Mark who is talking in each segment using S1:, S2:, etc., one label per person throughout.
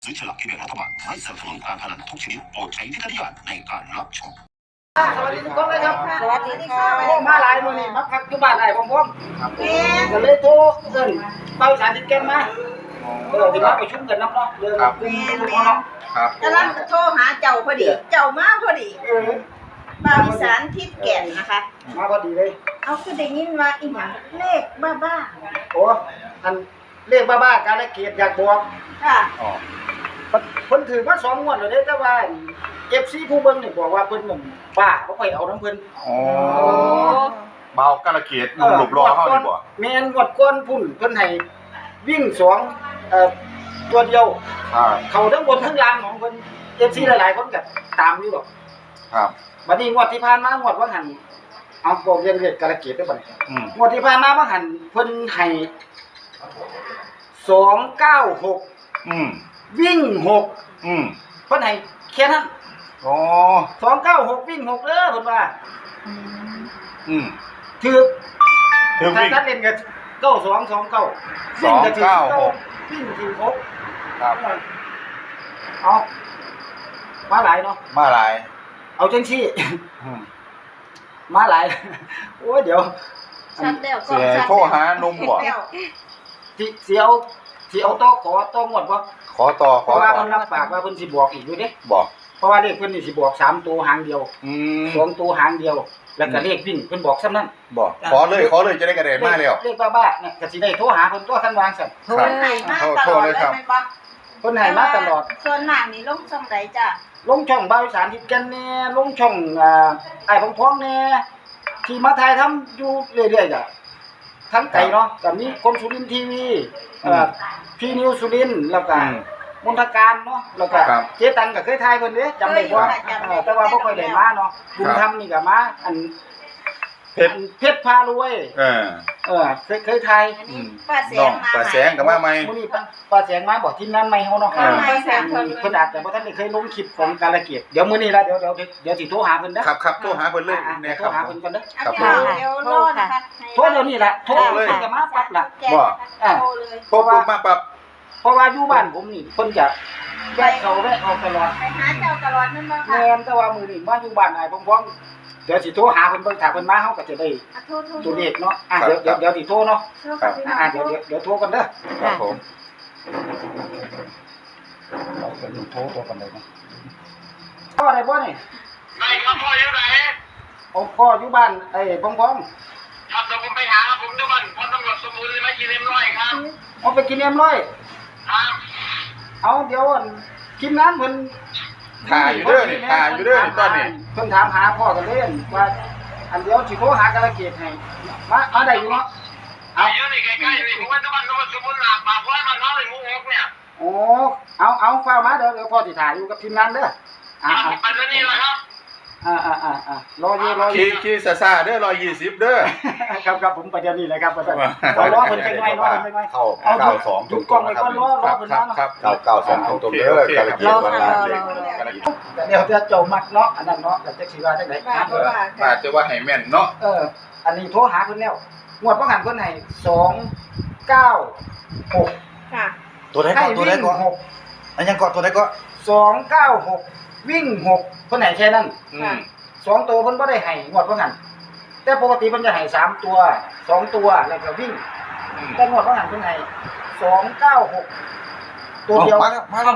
S1: ซื้อฉลากกินแบ่งรัฐบาลไม่สนับสนุนการพนันทุกชนิดโปรดใช้วิจารณญาณในการรับชม
S2: สวัสดีทุกคนเลยครับ
S3: สวัสดีค่ะ
S2: โอ้มาหลายมื้อนี่มาพักอยู่บ้านไอ้ผมก็เลยโทรเอิ้นเป้าสารติดแกนมาที่มาประชุมกันน้ำเนาะเรื่องกลุ่มเนาะ
S4: ครับ
S3: กำลังโทรหาเจ้าพอดี เจ้ามาพอดีบ่าวอีสานทิศแก่นนะคะ
S2: มาพอดีเลย
S3: เอาคือได้ยินว่าอีหยังเลขบ้า
S2: โอ้อันเลขบ้าๆการละเกียดอยากบอก
S3: ๆค่ะ
S4: อ๋อ
S2: เพิ่นถือมา2งวดแล้วเด้แต่ว่า FC ผู้เบิ่งนี่บอกว่าเพิ่นนั่นบ้าบ่ค่อยเอาน้ำเพิ่น
S4: อ๋อเบากระเกียดหลบรอเฮาดีบ่
S2: แม่นงวดก่อนพุ่นเพิ่นให้วิ่งตัวเดียว เขาทั้งบนทั้งล่างของเพิ่น FC หลายๆคนก็ตามอยู่ดอก
S4: ครับ
S2: บัดนี้งวดที่ผ่านมางวดว่าหันเอาบอกเรียนเรียกกระเกียดได้บัดนี้ งวดที่ผ่านมาว่าหันเพิ่นให้296วิ่ง6เพิ่นให้แค่นั้น
S4: อ๋อ
S2: 296วิ่ง6เด้อเพิ่นว่าถูก
S4: ถึง
S2: ถ้า
S4: วิ่ง
S2: ตัดเล่นก็9229วิ่งก็ถูกวิ่งถูก6
S4: ครับ
S2: เอามาหลายเนาะ
S4: มาหลาย
S2: เอาจังซี่ มาหลาย โอ้ยเดี๋ยว
S3: ชัดแล้วก็
S4: เสีย
S3: ชัด
S4: โทรหานุ่มบ่
S3: แล้ว
S2: สิเอาต่อขอต่องวดบ่
S4: ขอต่อ
S2: เพราะว่าเพิ่นรับปากว่าเพิ่นสิบอกอีกอยู่เด้
S4: บอก
S2: เพราะว่าเลขเพิ่นนี่สิบอก3ตัวหางเดียว2ตัวหางเดียว แล้วก็เลขวิ่งเพิ่นบอกซ้ำนั้น
S4: บอกขอเลยจะได้กระเด็นมาแล้ว
S2: เลขบ้าๆเนี่ยก็สิได้โทรหาเพิ่นตัวคันวางซั่น
S3: โทรให้มาตลอดเลยแม่นบ่
S2: เพิ่นให้มาตลอด
S3: ส่วนมากนี่ลงช่องใดจ้ะ
S2: ลงช่องบ่าวอีสานทิศแก่นแน่ลงช่องอ้ายพองๆแน่ที่มาถ่ายทำอยู่เรื่อยๆจ้ะทั้งไกลเนาะก็มีคนสุรินทร์ทีวีพี่นิวสุรินทร์แล้วก็มนทการเนาะแล้วก็เจ๊ตังก็เคยถ่ายเพิ่นเด้จำได้บ่แต่ว่าบ่ค่อยได้มาเนาะบุญธรรมนี่ก็มาอันเพชรพารวยเคยถ่าย
S3: อันนี้ป้าแส
S4: น้อง ง
S3: มา
S4: ป้าแสงก็มาใหม่
S2: มื้อนี้ป้าแสงมาบอกทีมงานใหม่เฮาเนาะ
S3: ป้าแสง
S2: เพิ่นอาจจะบ่ทันได้เคยลงคลิปของกาลเกียรติเดี๋ยวมื้อนี้ล่ะเดี๋ยวสิโทรหาเพิ่นเด้อ
S4: ครับโทรหาเพิ่นเลยแน่
S2: โท
S4: ค
S2: ร
S4: รับ
S2: หาเพิ่นก่อนเด้อ
S3: เดี๋ยวรอนะคะ
S2: โทรเดี๋ยวนี้ล่ะโทรเลยจะมาปั๊บล่ะ
S3: โทรเลย
S4: โทรปุ๊บมาปั๊บ
S2: เพราะว่าอยู่บ้านผมนี่เพิ่นจะแวะเข้าแวะออกตลอด
S3: ไปหาเจ้าตลอดนั่นบ่ค่ะ
S2: แม่นแต่ว่ามื้อนี้มาอยู่บ้านอ้ายพร้อมๆเดี๋ยวสิโทรหาเพิ่นเบิ่งถ้าเพิ่นมาเฮาก็จะได้
S3: โทร
S2: ตัวเลขเนาะเดี๋ยวสิโทรเนาะ
S3: กับพี่น้อง
S2: เดี๋ยวโทรกันเด้อ
S4: ครับผม
S2: เราเป็นโทรตัวกันเลยนะพ่อได้บ่นี่
S5: ไม่ครับพ่ออยู่ไหน
S2: พ่ออยู่บ้านไอ้พร้อม
S5: ครับเดี๋ยวผมไปหาครับผมทุกวันพอตำรวจสมุนเลยไม่กินเล่มร้อยครับ
S2: ๆเอาไปกินเอ็มร้อย
S5: ครับ
S2: เอาเดี๋ยวทีมงานเพิ่น
S4: ถ่ายอยู่เด้อนี่ถ่ายอยู่เด้อนี่ตอนนี้
S2: เพิ่นถามหาพ่อกันเล่นว่าอันเดียวสิโทรหากระเกียรติให้มาได้อยู่เนาะ
S5: เอาเยอะนี่ใกล้ๆนี่ผมว่าทุกวันตำรวจสมุนหลับปากว่ามันน้อยงูหกเนี่ย
S2: โอ้เอาฟ้ามาเดี๋ยวพ่อสิถ่ายอยู่กับทีมงานเด้อ
S5: ไปเรื่องนี้แหละครับ
S2: รออยู่
S4: ขี่ซ่าๆเด้อ120เด้อ
S2: ครับผมไปเดี๋ยวนี้เลยครับรอเพิ่นจังไงรอเพิ่นจังไง
S6: เข้า
S2: เอา
S6: 92
S2: หยุดกล้องไว้ก่อนรอเพิ่นมาเนาะ
S6: 992ตรงๆเด้อกาลเกียรติวันลาเด็ก
S2: เดี๋ยวจะเจ้ามักเนาะอันนั้นเนาะแต่จักสิว่าจังได๋
S4: อาจจะว่าให้แม่นเนาะ
S2: อันนี้โทรหาเพิ่นแล้วงวดบ่หันเพิ่นให้296
S3: ค่ะ
S6: ตัวไหนก่อนตัวไหนก่อนอันยังก่อนตัวไหนก่อน
S2: 296วิ่ง6เพิ่นให้แค่นั้น2ตัวเพิ่นบ่ได้ให้งวดบ่หันแต่ปกติเพิ่นจะให้3ตัว2ตัวแล้วก็วิ่งแต่งวดบ่หันเพิ่นให้296ตัวเดียว
S6: มาแล้ว
S2: มา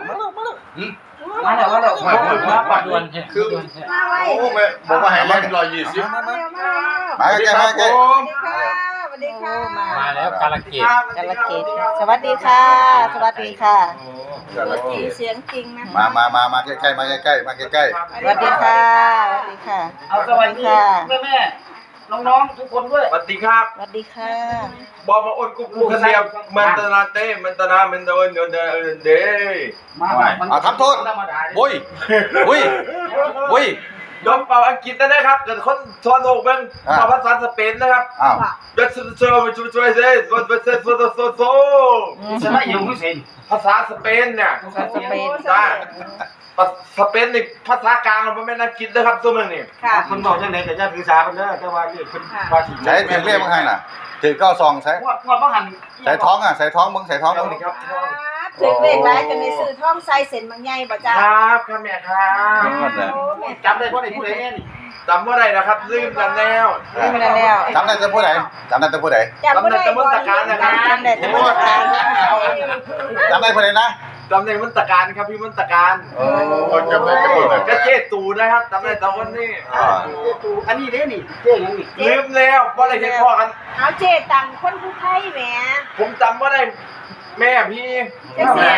S2: แล้วปัดด่วน
S4: คือ
S3: มาไว้
S4: โอ้แม่บอกว่าให้แม่น120
S3: มา
S6: มาใกล้มาใกล้
S3: สวัสดีค่ะ
S7: มาแล้วกาลเกต
S3: กาลเกตสวัสดีค่ะ สวัสดีค่ะ
S6: กาลเกียรติ
S3: เสียงจริงนะคะ
S6: มาใกล้ๆมาใกล้ๆมาใกล้
S3: สวัสดีค่ะ สวัสดีค่ะ
S2: เอาสวัสดีแม่น้องๆทุกคนด้วย
S5: สวัสดีครับ
S3: สวัสดีค่ะ
S5: บอกมาอ้นกุ๊กเสียบมันตนาเต้มันตนามันโดนเด
S6: เอาทำโทษ
S2: ธรรมดา
S6: โอ้ยโอ้ย
S5: ยอมเป่าอังกฤษนะครับเกิดคนทั่วโลกเป็นภาษาสเปนนะครับ
S6: อ้าว
S5: เด็กช่วยเซ่โซ
S2: ชนะอยู่ไม่เซ็น
S5: ภาษาสเปนเนี่ย
S3: สเปน
S5: ได้สเปนนี่ภาษากลางมันไม่น่าคิดนะครับตัวมึงนี่
S3: ค่ะ
S2: คนบอกจังได๋ก็อย่าถือสาเพิ่นเด้อแต่ว่านี่เพิ่นว่าสิ
S6: ใช้เพียงเรียกมึงให้น่ะถือ92ใช้
S2: งวดบ่หัน
S6: ใส่ท้องอ่ะใส่ท้องมึงใส่ท้องมึง
S2: ครับ
S3: ถือเลขหลายจนได้ซื้อทองใส่เส้นบางใหญ่บ่จ้า
S5: ครับครับแม่ครับ
S2: จำได้บ่ได้ผู้ใดแน่นี่
S5: จำว่าไรนะครับลืมกันแล้ว
S3: ไม่เป็นไรแล้ว
S6: จำได้แต่ผู้ใดจำได้แต่ผู้ใด
S3: จำบ่ได้บ่จำได้แต่บ่ได้
S6: จำได้ผู้ใดนะ
S5: จำในมนตการครับพี่มนตการ
S6: โอ้จำได้แต่ผู้ใด
S5: ก็เจ๊ตูนะครับจำได้แต่วันนี้
S2: อันนี้เด้นี่เจ๊หยังนี่
S5: ลืมแล้วว่าอะไรเห็นพ่อกัน
S3: เอาเจตังคนผู้ไทยแหม
S5: ผมจำว่าได้แม่พี่
S3: จังซี่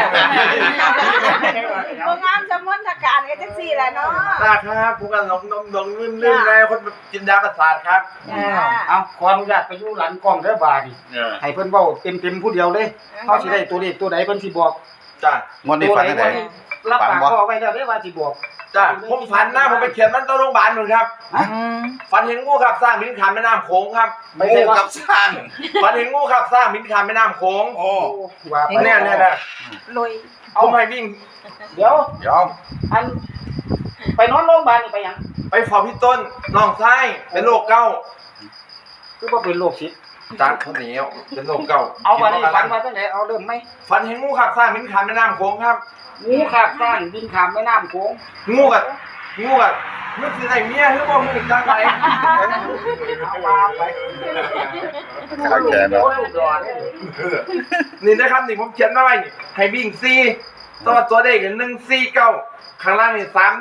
S3: บ่งามสมนทการก็จังซี่แหละเนาะ
S5: นะครับผมกันหลงลืมแล้วคนจินดาประสาทครับ
S3: จ้า
S2: เอาขออนุญาตไปอยู่หลังกล้องเด้อบาดนี่ให้เพิ่นเว้าเต็มๆผู้เดียวเลยเฮาสิได้ตัวเลขตัวใดเพิ่นสิบอก
S5: จ้ะ
S6: งวดนี้ฝันได้ไหน
S2: รับปากพ่อไว้แล้วเด้ว่าสิบอก
S5: จ้ะผมฝันนะผมไปเขียนมันต้นโรงพยาบาลหนึ่งครับฝันเห็นงูขับสร้างบินขามแม่น้ำโขงครับ
S6: งูกับสร้าง
S5: ฝันเห็นงูขับสร้างบินขามแม่น้ำโขง
S6: โอ้
S2: ว่าไป
S5: เนี่ย
S3: ลอย
S5: ผมให้วิ่ง
S2: เดี๋ยว
S6: เดี๋ยว
S2: อันไปนอนโรงพยาบาลนี่ไปหยัง
S5: ไปฝอพี่ต้นน้องไส้เป็นโรคเก้า
S2: คือบ่เป็นโรคชิด
S5: จากข้าวเหนียวเป็นโรคเก้า
S2: เอามานี่ฟันมาจังไดเอาเริ่มไหม
S5: ฝันเห็นงูขับสร้างบินขามแม่น้ำโขงครับ
S2: งูขาบสร้างบินข้ามแม่น้ำโขง
S5: งูกับมันคือไอ้เมียหรือว่ามึงจังไร
S2: เอามาไป
S6: ข้างแขน
S2: โอ้
S6: เนาะ
S2: ยรอดเลย
S5: นี่นะครับนี่ผมเขียนมาไว้นี่ให้วิ่งซีตัวเด็ก149ข้างล่างนี่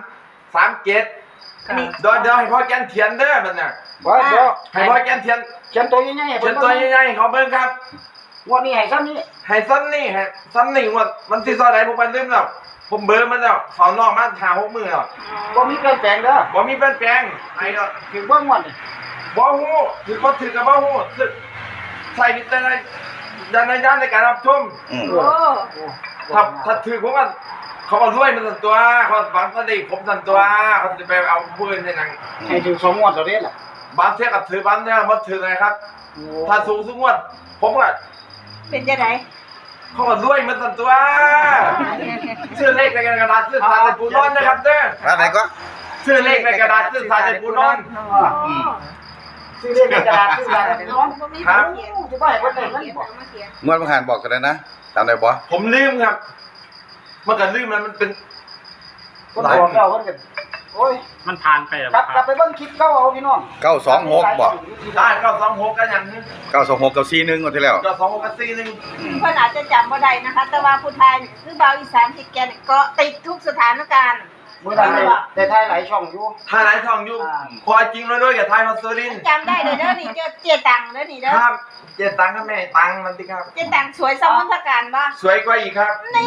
S5: 337
S3: อันนี้
S5: เดี๋ยวให้พ่อแกนเขียนเด้อมันน่ะ
S2: ว่าเดี๋ยว
S5: ให้พ่อแกนเขียน
S2: เขียนตัวใหญ่ๆให้
S5: เขี
S2: เพิ่
S5: ยน
S2: น
S5: ตัวใหญ่ๆเขาเบิ่งครับ
S2: งวดนี้ให้ซ้ำนี้
S5: ให้ซ้ำนี่มันสิซอยไหนผมไปลืมแล้วผมเบอร์มันแล้วเขานอกมาหา6มื้อแล้ว
S2: บ่มีเปลี่ยนแปลงเด้อ
S5: บ่มีเปลี่ยนแปลงไอ้เนาะ
S2: ถึงเบิ่งงวดนี่
S5: บ่ฮู้ถือบ่ถือกับบ่ฮู้ใส่วิจารณญาณในการรับชม
S6: อืม
S3: โอ้
S5: ถ้าถือผมว่าเขาเอาด้วยมันสั่นตัวเขาฝังสติผมสั่นตัวเขาจะไปเอาปืนในหนัง
S2: ให้ถึง2งวดแล้วเด้ล่ะ
S5: บางเทียกับถือบ้านเนี่ยมันถือไงครับ ถ้าสูงสุดงวดผมก็
S3: เป็นจังได๋
S5: เขาเอาด้วยมันสั่นตัวชื่อเลขในกระดาษชื่อสารในปูนอนนะครับเด้อ
S6: แล้วไหนก็
S5: ชื่อเลขในกระดาษชื่อสารในปูนอน
S2: ซื้อเลขในกระดาษซื้ออะไรน้อง
S3: บ่มี
S5: ครับ
S3: เขียน
S2: จะบ่ให้เพิ่นได้เงินบ่
S6: งวดประหารบอกกันเลยนะจำได้บ่
S5: ผมลืมครับเมื่อกี้ลืมมันเป็น
S2: เพิ่นบอกแล้วเพิ่นก็โอ้ย
S7: มันผ่านไปแล้ว
S2: กลับไปเบิ่งคลิปเก่าเอาพี่น้อง
S6: 926บ่
S5: ได้ก็26กันอย่างนี้
S6: 926กับ41งวดที่แล้ว
S5: ก็26กัน4นึง
S3: เพิ่นอาจจะจำบ่ได้นะคะ แต่ว่าผู้ไทยนี่คือบ่าวอีสานที่แกนี่ก็ติดทุกสถานการณ์
S2: มื้อนั้นได้ถ่ายหลายช่องอยู่
S5: ถ้าไหนทองอยู่พอจริงแล้วด้วยกับไทยมาซื้อลิน
S3: จำได้เด้อนี่เจตังเด้อนี่เด้อ
S5: ครับเจตังค์ครับแม่ตังค์มันสิครับ
S3: เจตังสวยสมนทการบ่
S5: สวยกว่าอีกครับ
S3: นี่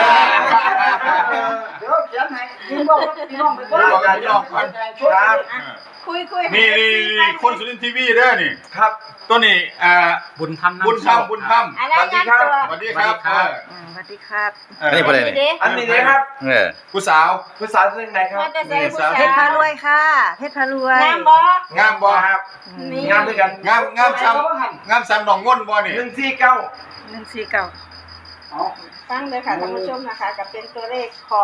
S2: เดี๋ยวเขียนให้ยืนบอกพี่น้องไปเบิ่ง
S6: บอกกันพี่น้องก่อน
S5: ครับ
S3: คุย
S7: นี่คนสุรินทร์ทีวีเด้อนี่
S5: ครับ
S7: ตัวนี้บุญธรรม
S6: บุญธรรม
S3: อะไรงานตัว
S7: สวัสดีครับ
S3: สวัสดีครับ
S6: อันนี้ประเด็นนี่
S5: อันนี้เลยครับ
S7: ผู้สาว
S5: ภาษาเรื่องไหนครับ
S3: ว่าจะใส่ผู้ชาย
S8: เพชรพารวยค่ะ เพชรพารวย
S3: งามบ่
S7: งามบ่
S5: ครับ
S3: นี่
S5: งามด้วยกัน
S7: งามซ้ำหนองง่นบ่นี่
S5: 149
S8: 149
S2: เอา
S3: ฟังเลยค่ะท่านผู้ชมนะคะกับเป็นตัวเลขของ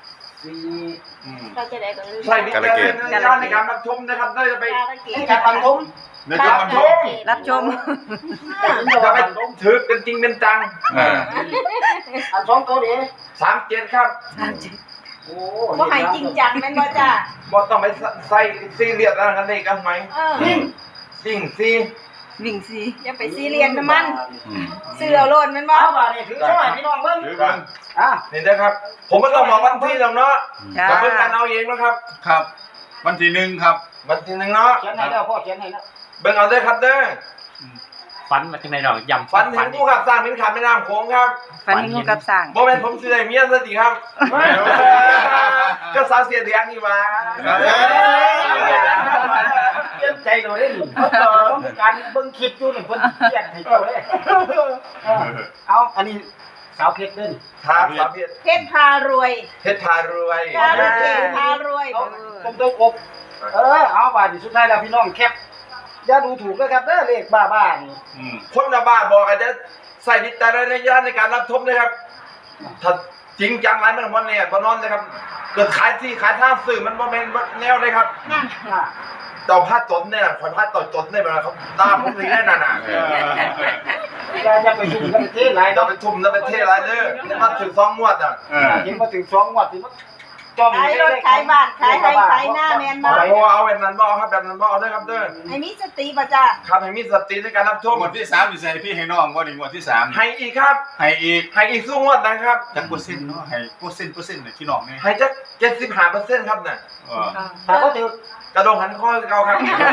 S2: 4
S3: เราจะได้ก็ลืม
S5: ใช่วิจารณญาณในการรับชมนะครับได้จะไป
S3: การเก
S2: ให้
S3: ต
S2: การปันทม
S7: ในการบันทึก
S8: รับชม
S5: จะไปถือเป็นจริงเป็นจัง
S2: อัน2ตัวนี้
S5: 37ครับ
S2: โอ้
S3: บ่ให้จริงจังแม่นบ่จ้า
S5: บ่ต้องไปใส่ซีเรียสอะไรกันเลยกันไหม จริงซี
S8: วิ่งซี
S3: อย่าไปซีเรียสนะมันซื้อเอาโลดแม่นบ่
S2: เอาบาดนี่ถือช่วยพี่น้องเบิ่ง
S7: ถือกัน
S2: อ่ะ
S5: นี่นะครับ ผมไม่ต้องบอกวันที่หรอกเนาะ
S8: จ้า
S5: ก็เป็นการเอาเองนะครับ
S7: ครับ วันที่1ครับ
S5: วันที่หนึ่งเนาะ
S2: เขียนให้แล้วพ่อเขียนให้แล้ว
S5: เบิ่งเอาเด้อครับเด้อ
S7: ฝันมาจากไหนดอกยำ
S5: ฝันเห็นผู้ขับสร้างเป็นขาแม่น้ำโขงครับ
S8: ฟันงูกับสั่ง
S5: บ่แม่นผมสิได้เมียซะสิครับ ก็สาวเสียเดียงนี่มา
S2: เตรียมใจเราได้หนิการเบิ่งคลิปอยู่นี่เพิ่นเขียนให้เจ้าเด้เอาอันนี้สาวเพชรเด้อนี่
S5: ครับสาวเพชร
S3: เพชรพารวย
S5: เพชรพารวย
S3: พารวย
S2: ผมต้องอบเอาบาดนี่สุดท้ายแล้วพี่น้องแคปอย่าดูถูกเลยครับเด้อเลขบ้าๆนี่
S5: คนละบ้าบอกอาจจะใส่วิจารณญาณในการรับชมนะครับถ้าจริงจังไรมันบ่เนี่ยบ่นอนเลยครับเกิดขายที่ขายท่าสื่อมันบ่แม่นบ่แนวเลยครับ
S3: นั่น
S5: เจ้าพาดจนเนี่ยคนพาดต่อจนเนี่ยแบบเขาตาผมเลยแน่น่ะ
S2: จะไปยุ่งกันเท่หลาย
S5: เรา
S2: เนาะ
S5: ไปทุ่มเราไปเทไรเด้อนี่มาถึง2งวดอ่ะ
S2: เห็นมาถึง2 งวดที่มันจอม
S3: ขายรถขายบ้านขายให้ขายหน้าแมนบ่
S5: โอ้เอาแบบนั้นบ่เอาครับแบบนั้นบ่เอาเด้อครับเด้อ
S3: ให้มีสติบ่จ้า
S5: ครับให้มีสติในการรับชม
S7: งวดที่3นี่ใส่พี่ให้น้องบ่นี่งวดที่3
S5: ให้อีกครับ
S7: ให้อีก
S5: ให้อีกสู้งวดนะครับ
S7: จักเปอร์เซ็นต์เนาะให้เปอร์เซ็นต์ให้พี่น้องนี่
S5: ให้จัก75%ครับน่ะ
S2: ถ้าก็ถือก
S5: ระดงหันข้อเก่าครับ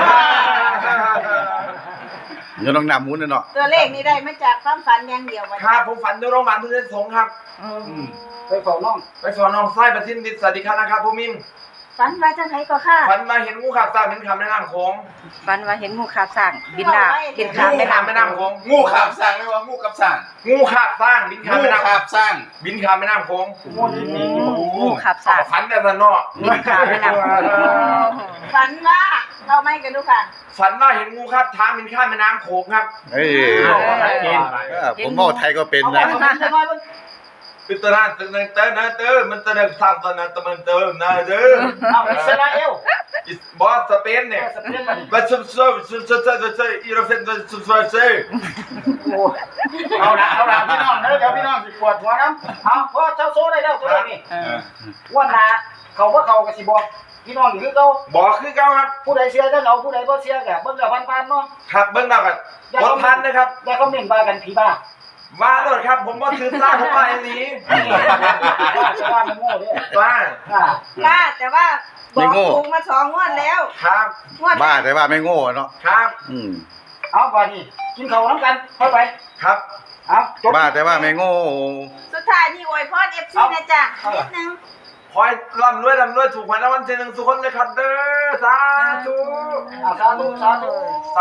S6: เดี๋ยวต้องนำหมุนเนาะ
S3: ตัวเลขนี้ได้มาจากความฝันอย่างเดียวบ่
S5: ครับผมฝันอยู่โรงพยาบาลพุทธสงฆ์ครับ
S2: ไปเฝ้าน้อง
S5: ไปสอนน้องไส้ประทินดิษฐ์สวัสดีครับนะครับผู้มิน
S3: ฝันว่าจังไดก็ค่ะ
S5: ฝันมาเห็นงูขาบสร้างเป็นคำแนะนำโค้ง
S8: ฝันว่าเห็นงูขาบสร้างบินดาบิน
S5: งู
S8: ขามแม่
S5: ขาบ
S8: น้ำ
S5: แม่น้ำโค้ง
S7: งูขาบสร้างเลยว่างูกับสร้าง
S5: งูขาบสร้างบินคำ
S7: งู
S5: แม่น้
S7: ขาบสร้าง
S5: ำบินคำแม่น้ำโค้ง
S2: งูนี่นี่
S8: งูขาบสร้าง
S5: ฝันแบบนั้นเนาะ
S8: บินขามแม่น้ำ
S3: ฝันว่าเราไม่กันดูค่ะ
S5: ฝันว่าเห็นงูครับท้าบินข้ามแม่น้ำโขงครับ
S6: เฮ้ย
S7: กิน
S6: ผมเมาไทยก็เป็น
S2: เอา
S6: นะ
S2: ไปจะน้อยมัน
S5: คือตอนนั้นเต้นนะเต้นมันจะเดินทางตอนนั้นตะมันเต้นนะเด้อ
S2: เอาอิสราเอล
S5: บอสสเปนเนี่ย
S2: สเปนมาดิ
S5: มาซุบอีโรเซนซุบเซ
S2: โอ้เอาละพี่น้องเดี๋ยวพี่น้องสิปวดหัวน้ำเอาพอเจ้าโซ่ได้แล้วตัวนี้วันหน้าเขาว่าเขาก็สิบอกพี่น้องอยู่คือเขา
S5: บอกคือเก่าครับ
S2: ผู้ใดเสียก็เอาผู้ใดบ่เสียก็เบิ่งแล้วพันๆเนาะ
S5: ครับเบิ้งดาวกันกดพันนะครับ
S2: อย่าคอมเมนต์ว่ากันผีบ้า
S5: มาตลอดครับผมว่าถือซ่าผมมาอันนี้
S2: ว่ามันโง่เด้
S5: ว่า
S3: กล้าแต่ว่าบอกถูกมา2งวดแล้ว
S5: ครับ
S3: งวด
S6: บ้าแต่ว่าไม่โง่เนาะ
S5: ครับ
S2: เอาว่านี่กินข้าวน้ำกันเข้าไป
S5: ครับ
S2: เอาจบ
S6: บ้าแต่ว่าไม่โง่
S3: สุดท้ายนี่อวยพร FC นะจ๊ะนิดนึง
S5: คอยร่ำรวยถูกหวยรางวัลที่1ทุกคนเลยครับเด้อสาธุ
S2: สาธุ
S5: สาธุ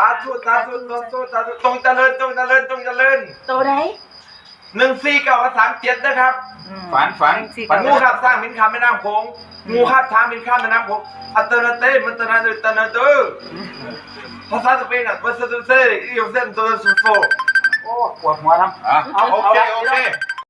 S5: ตรงเจริญ
S3: ตัวไหน
S5: 149กับ37นะครับ
S7: ฝัน
S5: งูขับสร้างมินคำแม่น้ำโขงงูขับทางมินคำแม่น้ำโขงอัตนาเต้มันตนาเดตนาเดอภาษาสเปนอ่ะภาษาสเปนอีโอเซนตัวสุโซ
S2: โอ้ปวดหัวน้ำ
S7: โอเค